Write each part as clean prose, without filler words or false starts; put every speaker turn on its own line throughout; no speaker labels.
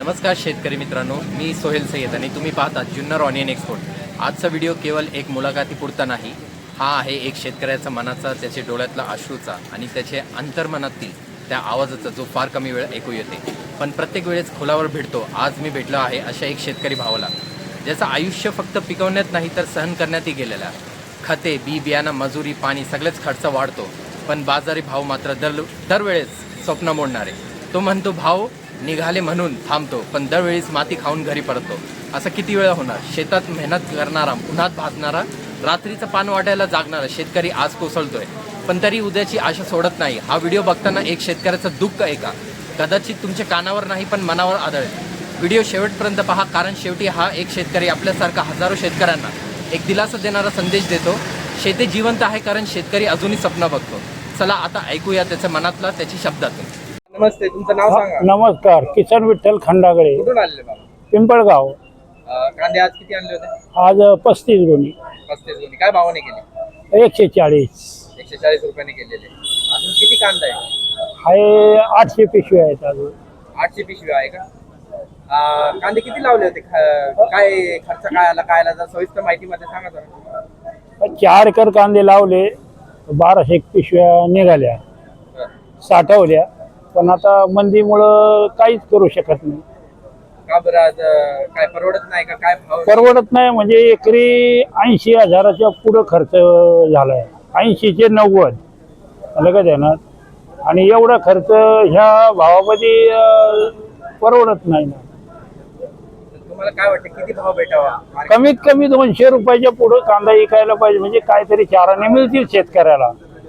नमस्कार शेतकरी मित्रांनो, मी सोहेल सय्यद आणि तुम्ही पाहता जुन्नर ऑनियन एक्सपोर्ट। आजचा व्हिडिओ केवळ एक मुलाखतीपुरता नाही, हा आहे एक शेतकऱ्याचा मनाचा, त्याच्या डोळ्यातला अश्रूचा आणि त्याच्या अंतर्मनातील त्या आवाजाचा जो फार कमी वेळ ऐकू येते, पण प्रत्येक वेळेस खोलावर भेटतो। आज मी भेटलो आहे अशा एक शेतकरी भावाला, ज्याचं आयुष्य फक्त पिकवण्यात नाही तर सहन करण्यातही गेलेलं आहे। खते, बी बियाणं, मजुरी, पाणी सगळेच खर्च वाढतो, पण बाजारी भाव मात्र दरवेळेस स्वप्न मोडणारे। तो म्हणतो भाव निघाले म्हणून थांबतो, पण दरवेळीच माती खाऊन घरी परततो। असं किती वेळा होणार? शेतात मेहनत करणारा, उन्हात भाजणारा, रात्रीचं पान वाटायला जागणारा शेतकरी आज कोसळतोय, पण तरी उद्याची आशा सोडत नाही। हा व्हिडिओ बघताना एक शेतकऱ्याचं दुःख ऐका, कदाचित तुमच्या कानावर नाही पण मनावर आदळेल। व्हिडिओ शेवटपर्यंत पहा, कारण शेवटी हा एक शेतकरी आपल्यासारखा हजारो शेतकऱ्यांना एक दिलासा देणारा संदेश देतो। शेती जिवंत आहे कारण शेतकरी अजूनही स्वप्न बघतो। चला आता ऐकूया त्याच्या मनातला, त्याची शब्दातून।
नमस्ते, तुमचं नाव सांगा।
नमस्कार, किसन विठ्ठल खंडागळे,
कुठून आलेले बाबा?
पिंपळगाव।
कांदे आज किती आणले होते?
आज 35 गुणी,
35 गुणी। काय भावाने केले?
140
140 रुपयाने केलेले। अजून किती कांदा आहे?
आहे 800 पिशवी आहेत अजून।
800 पिशवी आहे का? कांदे किती लावले होते? काय खर्च काय आला, काय आला? जर सविस्तर माहिती मध्ये सांगा जरा।
4 एकर कांदे लावले, 1200 पिशव्या निघाल्या, साठवल्या, पण आता मंदीमुळं काहीच करू शकत नाही।
का बरं? आज काय परवडत नाही का? काय भाव?
परवडत नाही म्हणजे एकरी 80,000च्या पुढं खर्च झालाय, 80 ते 90 लगेच येणार, आणि एवढा खर्च ह्या भावामध्ये परवडत नाही ना।
तुम्हाला काय वाटतं किती भाव भेटावा?
कमीत कमी 200 रुपयाच्या पुढे कांदा विकायला पाहिजे, म्हणजे काहीतरी चाराने मिळतील शेतकऱ्याला,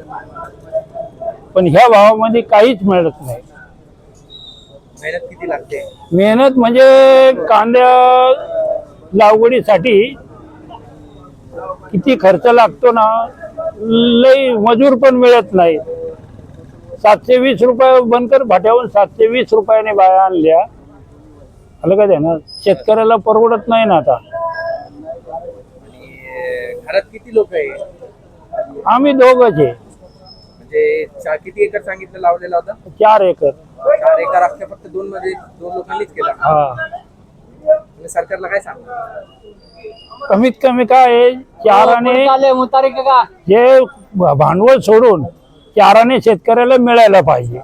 पण ह्या भावामध्ये काहीच मिळत नाही।
मेहनत किती लागते?
मेहनत म्हणजे कांद्या लागवडीसाठी किती खर्च लागतो ना, लई मजूर पण मिळत नाही। 720 रुपये बनकर भाट्यावरून 720 रुपयाने बाया आणल्या, आलं का ना, शेतकऱ्याला परवडत नाही ना आता।
आणि घरात किती लोक आहे?
आम्ही दोघंच आहे।
म्हणजे किती एकर सांगितलं लावलेला होता?
4 एकर।
4 एकर अख्ख्या फक्त दोन लोकांनीच केला?
हा,
तुम्ही सरकारला काय सांगा?
कमीत कमी काय आहे, चाराने जे भांडवल सोडून चाराने शेतकऱ्याला मिळायला पाहिजे।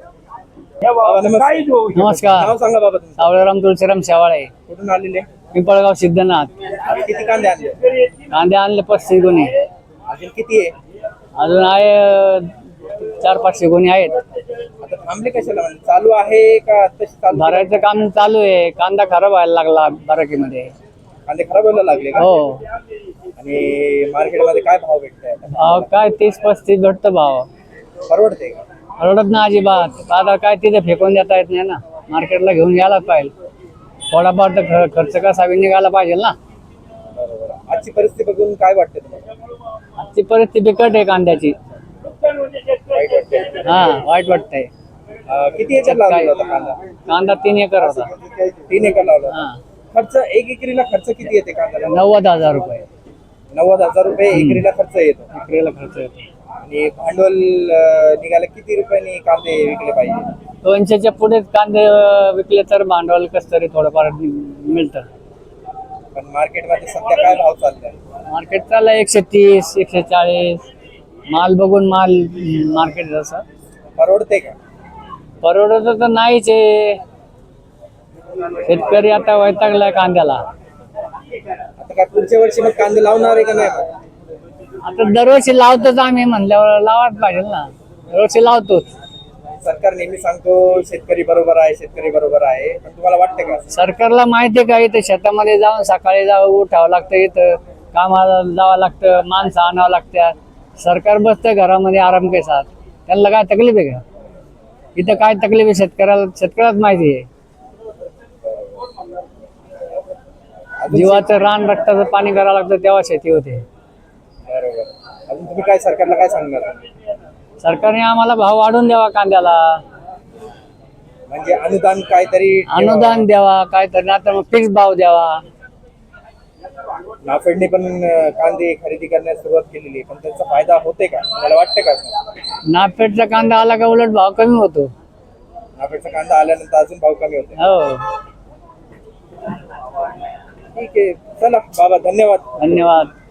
नमस्कार,
नाव सांगा बाबा तुमचं।
सावळेराम तुळशीराम शेवाळे,
कुठून आलेले?
पिंपळगाव सिद्धनाथ।
किती कांदे आणले?
कांदे आणले 35 गुणी,
अजून किती आहे?
अजून आहे 400-500 गुणी आहेत।
आता थांबले कशाला? म्हणजे चालू आहे का तशी चालू?
भरायचं काम चालू आहे, कांदा खराब व्हायला लागला बाराकीमध्ये।
कांदे खराब व्हायला लागले का?
हो,
आणि मार्केटमध्ये काय भाव भेटतोय आता?
भाव काय 30-35 भेटतो भाव।
परवडते का?
परवडत ना अजिबात। आता काय तिथे फेकून देता येत नाही ना, मार्केटला घेऊन यायला पाहिजे। थोडाफार तर खर्च कसा निघाला पाहिजे ना।
बरोबर। आजची परिस्थिती बघून काय वाटतं तुम्हाला?
आजची परिस्थिती बिकट आहे कांद्याची।
वाईट वाटतंय?
हा, वाईट वाटतंय।
किती एकर लावलेला होता कांदा?
कांदा 3 एकर होता।
3 एकर लावला होता।
हा,
खर्च एक एकरीला खर्च किती येते कांद्याला?
90,000 रुपये
90,000 रुपये एकरीला खर्च येतो।
विक्रीला खर्च येतो।
आणि भांडवल निघाले किती रुपयांनी कांदे विकले पाहिजे?
200च्या पुढे कांदे विकले तर भांडवल कसं तरी थोडंफार मिळतं।
पण मार्केटमध्ये सध्या काय भाव चाललाय?
मार्केट चाललं 130, 140, माल बघून माल मार्केट जसं
परवडते का?
परवडत तर नाहीच आहे। शेतकरी आता वैतागलाय कांद्याला।
आता काय पुढच्या वर्षी मग कांदे लावणार आहे का नाही मग?
आता दरवर्षी लावतोच आम्ही, म्हणल्यावर लावाच पाहिजे ना, दरवर्षी लावतोच।
सरकार नेहमी सांगतो शेतकरी बरोबर आहे, शेतकरी बरोबर आहे, पण तुम्हाला वाटतं का?
सरकारला माहिती आहे का, इथं शेतामध्ये जाऊन सकाळी उठावं लागतं, इथं कामाला जावं लागतं, माणसं आणावं लागतात। सरकार बसतं घरामध्ये आराम के साथ, त्यांना काय तकलीफ आहे का? इथं काय तकलीफ आहे शेतकऱ्यालाच माहिती आहे। जीवाचं रान रक्ताचं पाणी करावं लागतं तेव्हा शेती होते।
बरोबर। अजून तुम्ही काय सरकारला काय सांगणार?
सरकारने आम्हाला भाव वाढवून द्यावा कांद्याला,
म्हणजे अनुदान काहीतरी
अनुदान द्यावा काहीतरी, आता मग फिक्स भाव द्यावा।
नाफेडने पण कांदे खरेदी करण्यास सुरुवात केलेली आहे, पण त्याचा फायदा होते का? मला वाटतं का?
नाफेडचा कांदा आला का उलट भाव कमी होतो।
नाफेडचा कांदा आल्यानंतर अजून भाव कमी होते।
हो,
ठीक आहे, चला बाबा, धन्यवाद.
धन्यवाद.